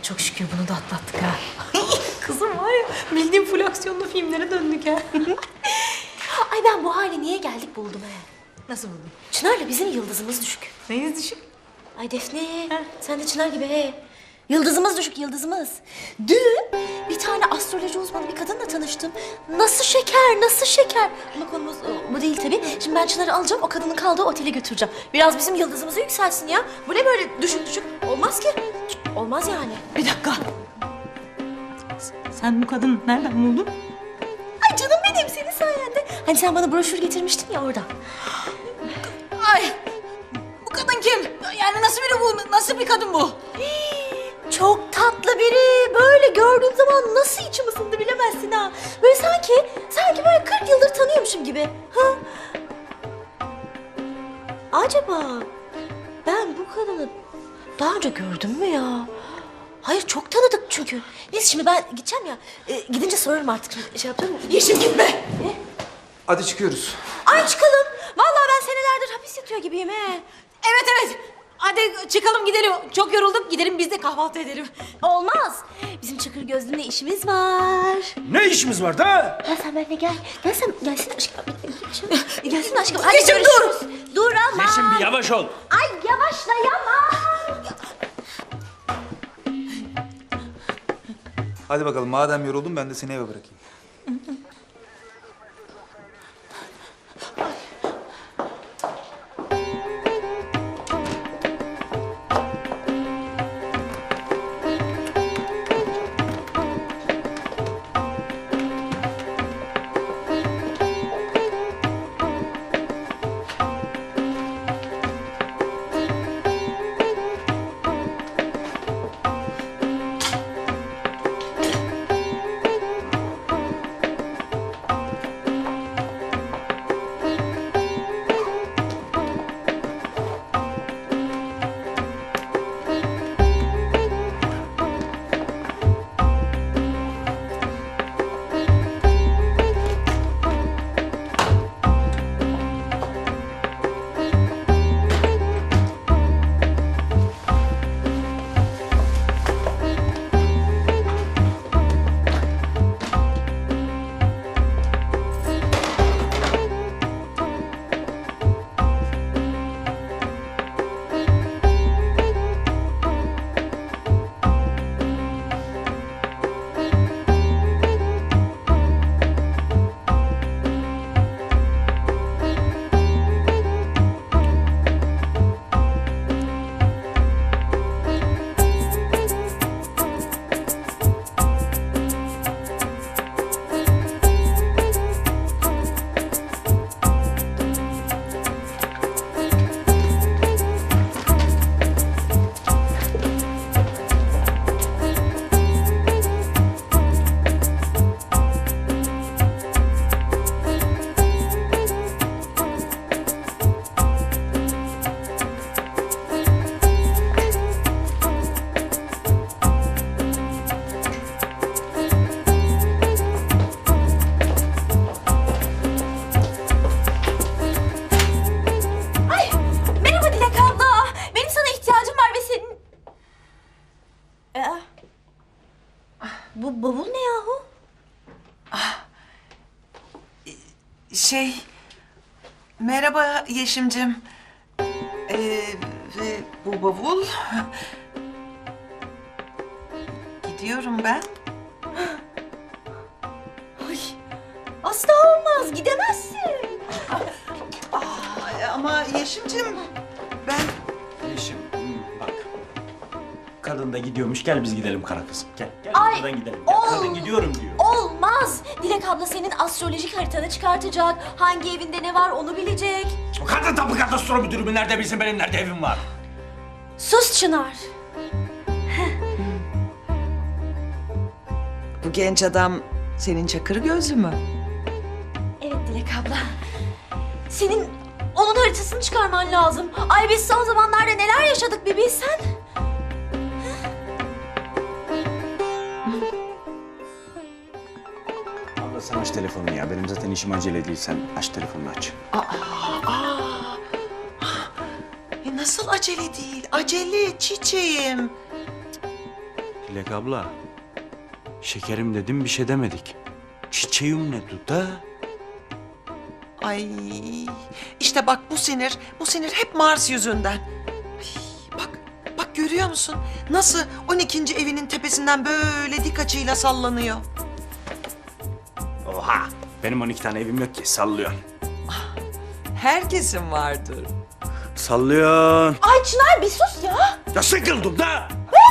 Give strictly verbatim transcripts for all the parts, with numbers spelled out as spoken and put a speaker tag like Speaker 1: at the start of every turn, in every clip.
Speaker 1: çok şükür bunu da atlattık ha. Kızım var ya, bildiğim full aksiyonlu filmlere döndük ha.
Speaker 2: Ay ben bu hale niye geldik buldum he.
Speaker 1: Nasıl buldun?
Speaker 2: Çınar'la bizim yıldızımız düşük.
Speaker 1: Neyiniz düşük?
Speaker 2: Ay Defne, sen de Çınar gibi he. Yıldızımız düşük, yıldızımız. Dün bir tane astroloji uzmanı bir kadınla tanıştım. Nasıl şeker, nasıl şeker. Ama konumuz o, bu değil tabii. Şimdi ben Çınar'ı alacağım, o kadının kaldığı otele götüreceğim. Biraz bizim yıldızımızı yükselsin ya. Bu ne böyle düşük düşük? Olmaz ki. Olmaz yani.
Speaker 1: Bir dakika. Sen bu kadını nereden buldun?
Speaker 2: Ay canım benim, senin sayende. Hani sen bana broşür getirmiştin ya orada.
Speaker 1: Ay! Bu kadın kim? Yani nasıl biri bu? Nasıl bir kadın bu?
Speaker 2: Çok tatlı biri. Böyle gördüğüm zaman nasıl içim ısındı bilemezsin ha. Böyle sanki, sanki böyle kırk yıldır tanıyormuşum gibi. Ha? Acaba ben bu kadını daha önce gördüm mü ya? Hayır, çok tanıdık çünkü. Neyse şimdi ben gideceğim ya. E, gidince sorarım artık. Şimdi şey yapacağım.
Speaker 1: Yeşim gitme.
Speaker 2: Ne?
Speaker 3: Hadi çıkıyoruz.
Speaker 2: Ay çıkalım. Vallahi ben senelerdir hapis yatıyor gibiyim he.
Speaker 1: Evet evet. Hadi çıkalım gidelim. Çok yorulduk. Gidelim biz de kahvaltı edelim.
Speaker 2: Olmaz. Bizim Çakır Gözlü'nle işimiz var.
Speaker 3: Ne işimiz var da?
Speaker 2: Gel sen benimle gel. Gel sen, gelsin aşkım. Gelsin aşkım. Hadi
Speaker 1: Yeşim,
Speaker 2: görüşürüz. Dur ama.
Speaker 3: Yeşim bir yavaş ol.
Speaker 2: Ay yavaşlayamam.
Speaker 3: Hadi bakalım madem yoruldun ben de seni eve bırakayım.
Speaker 2: Ay merhaba Dilek abla. Benim sana ihtiyacım var ve senin... Aa, bu bavul ne yahu?
Speaker 4: Şey, merhaba Yeşimcim. Ee, ve bu bavul... Gidiyorum ben.
Speaker 2: Ay asla olmaz, gidemezsin.
Speaker 4: Ay, ama Yeşimcim, ben...
Speaker 5: Yeşim, hmm, bak. Kadın da gidiyormuş, gel biz gidelim kara kızım. Gel, gel
Speaker 2: Ay,
Speaker 5: buradan gidelim. Gel,
Speaker 2: ol-
Speaker 5: kadın gidiyorum diyor.
Speaker 2: Olmaz. Dilek abla senin astrolojik haritanı çıkartacak. Hangi evinde ne var onu bilecek.
Speaker 5: O kadın tapu kadastro müdürü mü nerede bilsin benim nerede evim var?
Speaker 2: Sus Çınar.
Speaker 4: Bu genç adam senin Çakır Gözlü mü?
Speaker 2: Evet Dilek abla. Senin onun haritasını çıkarman lazım. Ay biz son zamanlarda neler yaşadık bir bilsen.
Speaker 5: Abla sen aç telefonunu ya. Benim zaten işim acele değil. Sen aç telefonunu aç.
Speaker 4: E nasıl acele değil? Acele çiçeğim.
Speaker 5: Dilek abla. Şekerim dedim bir şey demedik. Çiçeğim ne duda?
Speaker 4: Ay işte bak bu sinir, bu sinir hep Mars yüzünden. Ay, bak, bak görüyor musun? Nasıl on ikinci evinin tepesinden böyle dik açıyla sallanıyor.
Speaker 5: Oha! Benim on iki tane evim yok ki sallıyorsun.
Speaker 4: Herkesin vardır.
Speaker 5: Sallıyorsun.
Speaker 2: Ay Çınar bir sus ya.
Speaker 5: Ya sıkıldım da!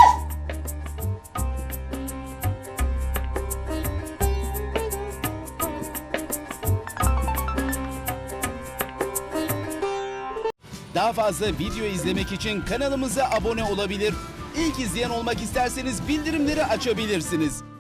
Speaker 6: Daha fazla video izlemek için kanalımıza abone olabilir. İlk izleyen olmak isterseniz bildirimleri açabilirsiniz.